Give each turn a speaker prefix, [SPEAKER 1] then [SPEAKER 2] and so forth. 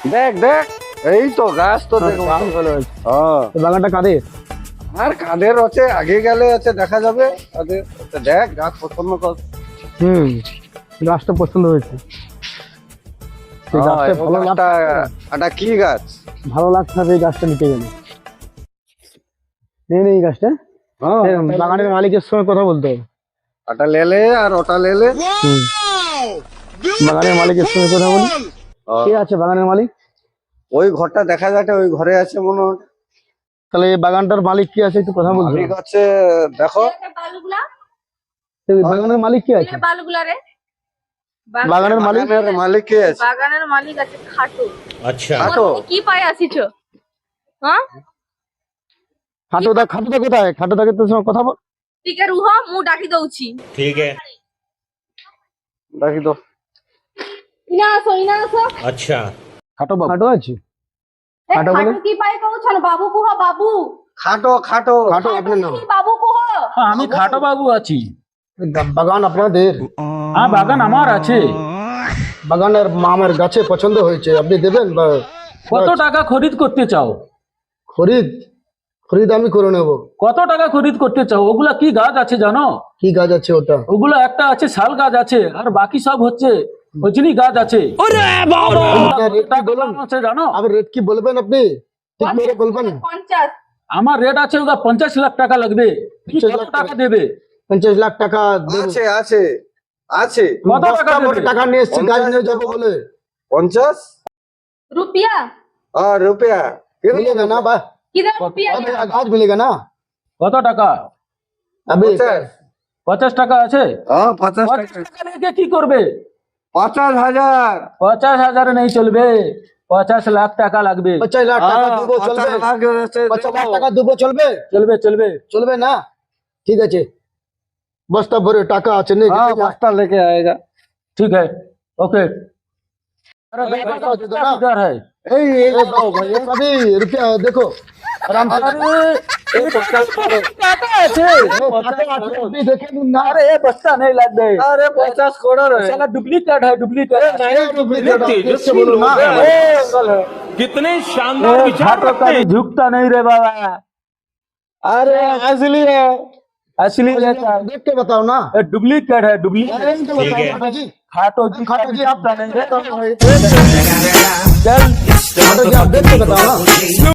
[SPEAKER 1] দেখ দেখ, এই তো গাছ তো দেখ। হ্যাঁ,
[SPEAKER 2] বাগানটা কাদের?
[SPEAKER 1] আর কাদের আছে, আগে গেলে আছে দেখা যাবে কাদের। দেখ গাছ পছন্দ কর।
[SPEAKER 2] গাছটা পছন্দ হয়েছে। এই গাছটা ভালো
[SPEAKER 1] এটা কি গাছ?
[SPEAKER 2] ভালো লাগছে না এই গাছটা নিতে গেলে। নেই এই গাছটা। বাগানের মালিকের সঙ্গে কথা বলতে হবে।
[SPEAKER 1] ওটা লেলে আর ওটা লেলে।
[SPEAKER 2] বাগানের মালিকের সঙ্গে কথা বলি। কে আছে বাগানের মালিক?
[SPEAKER 1] ওই ঘরটা দেখা যাচ্ছে, ওই ঘরে আছে মনে হয়।
[SPEAKER 2] তাহলে এই বাগানটার মালিক কি আছে একটু কথা বলতে
[SPEAKER 1] মালিক আছে, দেখো।
[SPEAKER 2] বাগানের মালিক কি আছে? বাগানের মালিক
[SPEAKER 1] মালিক কে আছে?
[SPEAKER 3] বাগানের মালিক আছে খাটো।
[SPEAKER 1] আচ্ছা, খাটো
[SPEAKER 3] কি পাই আসিছো? হ্যাঁ,
[SPEAKER 2] খাটোদা কোথায়? খাটোদাকে তোর সঙ্গে কথা বল।
[SPEAKER 3] ଟିକେ ରୁହ ମୁଁ ଡାକି ଦଉଛି।
[SPEAKER 4] ठीक है।
[SPEAKER 1] ডাকি তো।
[SPEAKER 3] ଇନା ଆସ।
[SPEAKER 4] अच्छा।
[SPEAKER 2] খাটো আছে?
[SPEAKER 3] ଏ
[SPEAKER 2] ଖାଟୋ
[SPEAKER 3] ଖାଟୁ
[SPEAKER 2] ବୋଲେ?
[SPEAKER 3] কি ପାଇ କହୁଛନ? ବାବୁ କୁହ ବାବୁ।
[SPEAKER 1] খাটো খাটো।
[SPEAKER 2] খাটো আপনার নাম?
[SPEAKER 3] বাবু কুহ।
[SPEAKER 5] আমি খাটো বাবু আছি।
[SPEAKER 2] বাগান আপনাদের?
[SPEAKER 5] হ্যাঁ, বাগান আমার আছে।
[SPEAKER 2] বাগানের আমার গাছে পছন্দ হয়েছে, আপনি দেবেন? বা
[SPEAKER 5] কত টাকা খরিদ করতে চাও?
[SPEAKER 2] খরিদ আমি করে নেব।
[SPEAKER 5] কত টাকা খরিদ করতে চাও? ওগুলা কি গাছ আছে জানো?
[SPEAKER 2] কি গাছ আছে ওটা?
[SPEAKER 5] ওগুলো একটা আছে শাল গাছ আছে, আর বাকি সব হচ্ছে রজনী গাছ আছে।
[SPEAKER 2] আপনার রেট কি বলুন?
[SPEAKER 5] আছে জানো?
[SPEAKER 2] আবার রেট কি বলবেন আপনি? ঠিক করে বলবেন।
[SPEAKER 3] 50।
[SPEAKER 5] আমার রেট আছে ওটা 50 লাখ টাকা লাগবে। তুমি
[SPEAKER 2] 50
[SPEAKER 5] কত
[SPEAKER 2] লাখ
[SPEAKER 5] টাকা দেবে?
[SPEAKER 2] 50 লাখ টাকা দেব।
[SPEAKER 1] আছে আছে আছে।
[SPEAKER 5] কত টাকা দেবে?
[SPEAKER 2] টাকা নিয়ে এসছি গাছ নিয়ে যাবো বলে।
[SPEAKER 1] 50
[SPEAKER 3] रुपया
[SPEAKER 1] रुपया
[SPEAKER 2] मिलेगा ना बा?
[SPEAKER 3] किधर रुपया?
[SPEAKER 2] गाछ मिलेगा ना?
[SPEAKER 5] কত টাকা?
[SPEAKER 2] अभी
[SPEAKER 5] 50 টাকা আছে।
[SPEAKER 1] 50
[SPEAKER 5] 50 টাকা লেগে কি করবে?
[SPEAKER 1] 50,000।
[SPEAKER 5] 50,000 नहीं চলবে, 50 লাখ টাকা লাগবে।
[SPEAKER 2] 50 লাখ টাকা দেবো, চলবে? 50 লাখ টাকা দেবো, চলবে?
[SPEAKER 5] চলবে চলবে।
[SPEAKER 2] চলবে না? ঠিক আছে, বস্তা ভরে টাকা আছে নেই?
[SPEAKER 1] हाँ बस्ता लेके आएगा।
[SPEAKER 5] ठीक है, ओके। अरे
[SPEAKER 2] अरे,
[SPEAKER 5] भाई,
[SPEAKER 2] बताओ, दे दो ना।
[SPEAKER 5] किधर है?
[SPEAKER 2] ये सभी रुपया देखो आराम से। देखे ना?
[SPEAKER 5] अरे ये बस्ता नहीं लग गए।
[SPEAKER 1] अरे 50 करोड़ है।
[SPEAKER 5] साला डुप्लीकेट है, डुप्लीकेट।
[SPEAKER 2] तेजस्वी बोलो ना।
[SPEAKER 4] कितने शानदार विचार रखते हैं।
[SPEAKER 5] झुकता नहीं रे बाबा।
[SPEAKER 1] अरे असली है।
[SPEAKER 5] असली रहता है।
[SPEAKER 2] देख के बताओ ना।
[SPEAKER 5] डुप्लीकेट है, डुप्लीकेट।
[SPEAKER 4] ठीक है।
[SPEAKER 5] खाटो जी,
[SPEAKER 2] खाटो जी,
[SPEAKER 5] झुकता नहीं रे।
[SPEAKER 2] आप
[SPEAKER 5] चल
[SPEAKER 2] खाटो जी, आप देख के बताओ ना।